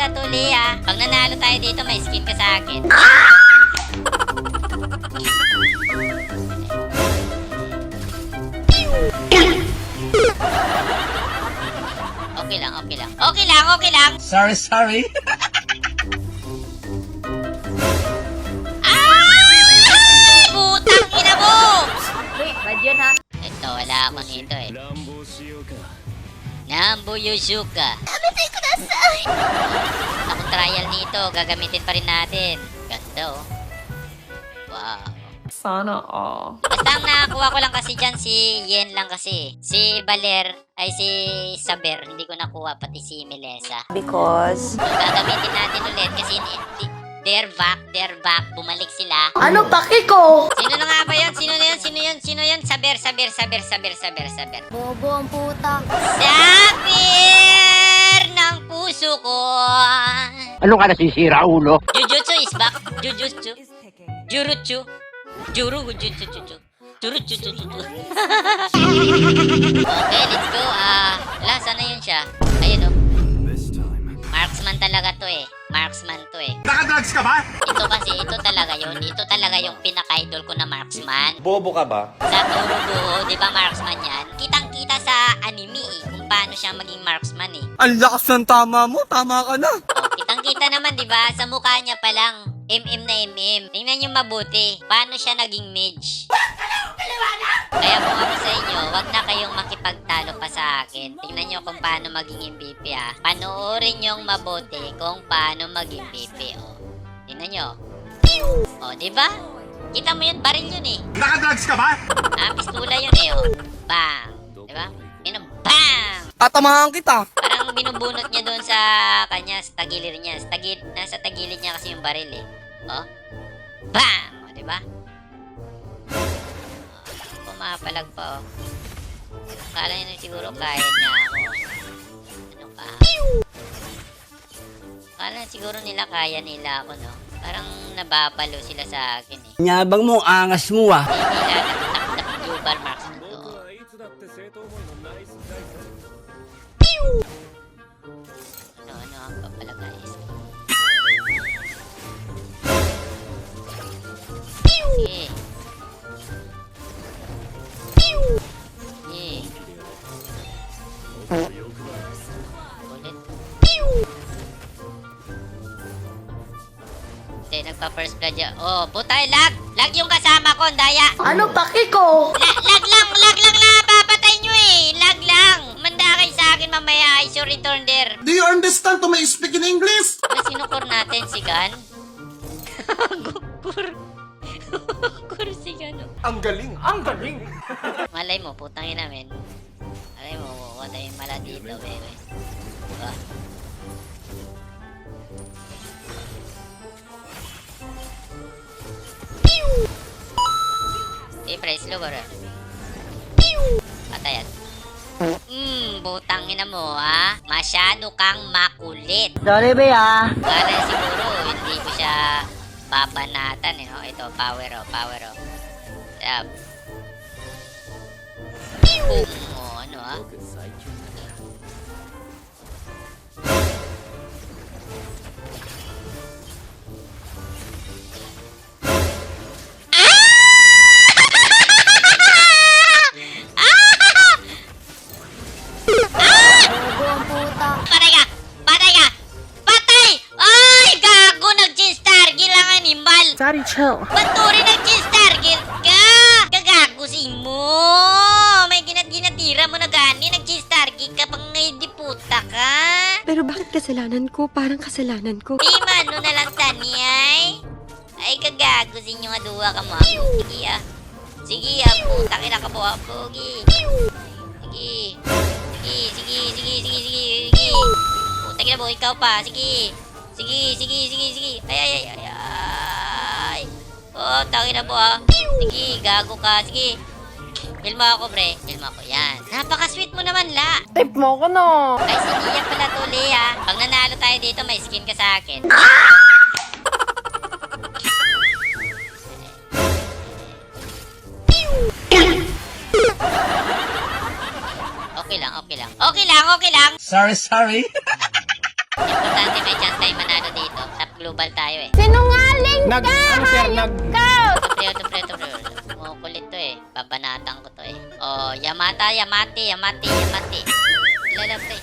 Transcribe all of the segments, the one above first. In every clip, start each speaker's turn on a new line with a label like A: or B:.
A: pala to, Lea. Pag nanalo tayo dito, may skin ka sa akin. Okay lang, okay lang. Okay lang, okay lang.
B: Sorry.
A: Ay! Putang ina mo!
C: Wait, bad yun ha?
A: Ito, wala ako nito eh. Nambu Yuzuka. Akong trial nito, gagamitin pa rin natin. Ganda oh. Wow.
C: Sana all.
A: Basta ang nakakuha ko lang kasi dyan, si Yen lang kasi. Si Baler, ay si Saber, hindi ko nakuha, pati si Melesa.
C: Because...
A: So, gagamitin natin ulit kasi they're back, bumalik sila.
C: Ano paki ko?
A: Sino na nga ba yun? Sino yun? Saber.
D: Bobo ang puta.
A: Saber ng puso ko.
B: Ano ka nasisira, ulo?
A: Jujutsu is back. Jurutsu. Okay, let's go. Wala, sana yun siya. Ayun o. Marksman talaga to eh.
B: Nakadrugs ka ba?
A: Ito talaga yun. Ito talaga yung pinaka-idol ko na marksman.
B: Bobo ka ba?
A: Sa Torugo, di ba marksman yan? Kitang-kita sa anime eh, kung paano siya maging marksman eh.
E: Ang lakas ng tama mo, tama ka na.
A: O, kitang-kita naman di ba? Sa mukha niya pa lang, MM na MM. Tingnan niyo mabuti, paano siya naging mage. Kaya kung ako sa inyo, wag na kayong makipagtalo pa sa akin. Tingnan niyo kung paano maging MVP ah. Panoorin niyong mabuti kung paano maging MVP oh. Tingnan niyo. Oh, di ba? Kita mo yun, baril yun eh.
B: Nakadrugs ka ba?
A: Pistula yun eh oh. Bang! Di ba? Yun ang bang!
E: Tatamahan kita.
A: Parang binubunot niya doon sa kanya, sa tagilid niya. Nasa tagilid niya kasi yung baril eh. Oh. Bang! O, diba? Pumapalag pa oh. Akala niya na siguro kaya niya ako. Ano ka? Akala siguro nila kaya nila ako, no? Parang nababalo sila sa akin eh.
E: Nyabang mo, angas mo ah.
A: Hindi nila nagtaktak global marks na to. Ano ang papalagay? Sige. Sige. Ulit. Hindi, nagpa-first blood yan. Oh, putay, lag! Lag yung kasama ko, daya!
C: Ano paki ko?
A: Lag lang na papatay nyo eh! Lag lang! Manda kayo sa akin mamaya, I should return there.
F: Do you understand to may speak in English?
A: Ano sinukor natin, si Gan? Kur si Gan.
F: Ang galing!
A: Malay mo, putang ina men. Malay mo, wala yung mala dito, bebe. Diba? Press lo bro. Patayan. Butang ina mo ha. Masyado kang makulit.
C: Sorry be ah.
A: Para siguro hindi ko siya babanatan eh, no? Ito, power oh. Tap. Boom. Oh, ano ah?
D: Bobo ang puta.
A: Patay ka! Patay! Ay, gago! Nag-change target lang animal!
C: Sorry, chill.
A: Ba't to rin nag-change target ka? Gagago si mo! May ginatira mo na gani, nag-change target ka pang ngayon di puta ka!
G: Pero bakit kasalanan ko? Parang kasalanan ko.
A: Di mano na lang tani ay! Ay, gagago si inyo nga duwa ka mo. Sige puta kina ka po pogi. Sige. Puta kina po, ikaw pa. Sige. Ay. Oh, tangin na po ah. Sige, gago ka. Sige. Heal mo ako, pre. Heal mo ako. Yan. Napaka-sweet mo naman, la.
C: Tip mo ko no.
A: Ay, sige yan pala to, Lea. Pag nanalo tayo dito, may skin ka sa akin. Okay lang.
B: Sorry.
A: Importante may chance global tayo eh.
C: Sinungaling
E: Nag, ano sir, nag...
A: Ito pre. Kumukulit to eh. Babanatan ko to eh. Oh, Yamati. Ilala pre.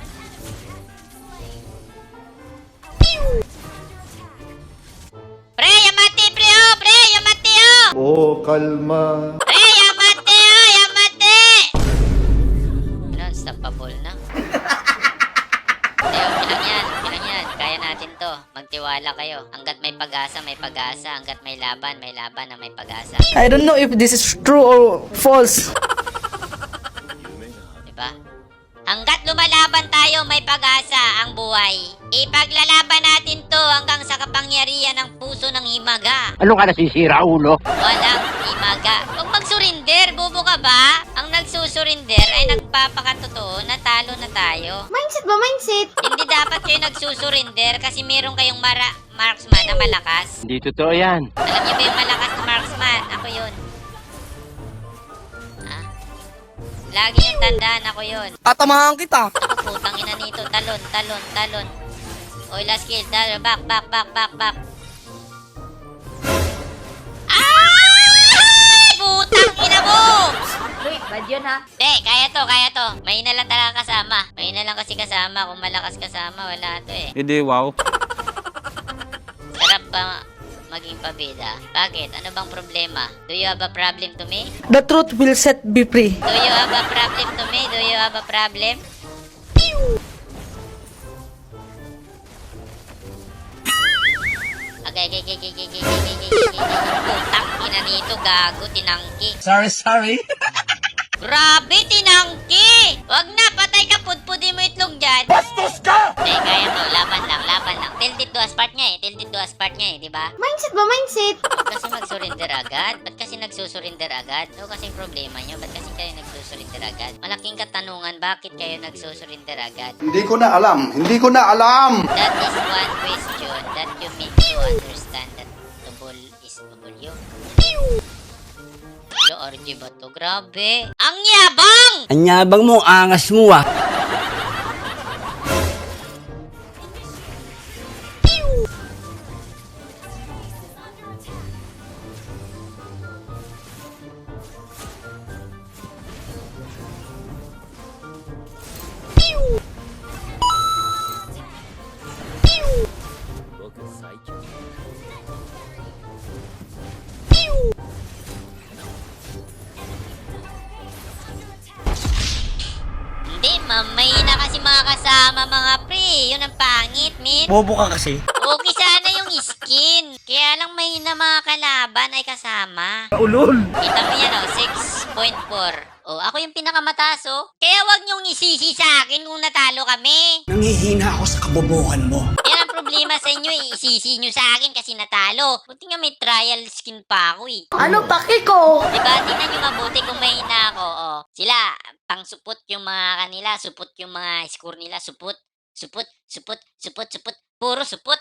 A: Pre, Yamati pre oh! Pre, Yamati oh!
F: Oh, kalma.
A: Pre, Yamati oh! Yamati! Ano, unstoppable na. Okay lang yan. Kaya natin to. Magtiwala kayo. Hanggat may pag-asa, may pag-asa. Hanggat may laban na may pag-asa.
C: I don't know if this is true or false.
A: Diba? Hanggat lumalaban tayo, may pag-asa ang buhay. Ipaglalaban natin to hanggang sa kapangyarihan ng puso ng himaga.
B: Ano ka nasisira, ulo?
A: Walang himaga. Huwag mag-surrender, bobo ka ba? Ang nagsusurrender ay nagpapakatotoo na talo na tayo.
D: Mindset ba? Mindset?
A: Hindi dapat kayo nagsusurrender kasi meron kayong marksman na malakas.
B: Hindi totoo yan.
A: Alam niyo ba yung malakas na marksman? Ako yun. Ha? Lagi yung tandaan, ako yun.
E: Tatamahan kita.
A: Ako, putang ina nito. Talon. Oy, last kill. Back. Ah! Putang ina mo!
C: Wait, bad yun ha?
A: Kaya to. Mahina lang talaga kasama. Mahina lang kasi kasama. Kung malakas kasama, wala to eh.
E: Hindi, wow.
A: Sarap ba maging pabida? Bakit? Ano bang problema? Do you have a problem to me?
C: The truth will set me free.
A: Do you have a problem to me? Do you have a problem? Okay. Putang ina nito, gago, tinangki.
E: Sorry.
A: Grabe, tinangki! Wag na, patay ka, pudpudin mo itlog dyan. Bastos ka! Kaya to, laban lang. Tilted to aspart nga eh, di ba?
D: Mindset ba? Mindset?
A: Huwag kasi mag-surrender agad. Ba't kasi nagsusurrender agad? Ano kasi problema nyo? Ba't kasi kayo nagsusurrender agad? Malaking katanungan, bakit kayo nagsusurrender agad?
F: Hindi ko na alam.
A: That is one question that you need to understand that tubol is tubulyo. Lo, RG ba to? Grabe! Ang yabang!
E: Anyabang mo, angas mo ah.
A: Hindi, mamay na kasi mga kasama mga pre. Yun ang pangit, min.
E: Bobo ka kasi.
A: Okay sana yung skin. Kaya lang may na mga kalaban ay kasama.
E: Ulol.
A: Kita mo yan, 6.4. Oh, ako yung pinakamataas, oh. Kaya wag niyong isisi sa akin kung natalo kami.
E: Nangihina ako sa kabobohan mo.
A: Yan ang problema sa inyo, eh. Isisi niyo sa akin kasi natalo. Buti nga may trial skin pa ako, eh.
C: Ano paki ko?
A: Diba? Tingnan nyo mabuti kung mahina ako, oh. Sila, pang supot yung mga kanila, supot yung mga score nila, supot. Puro supot.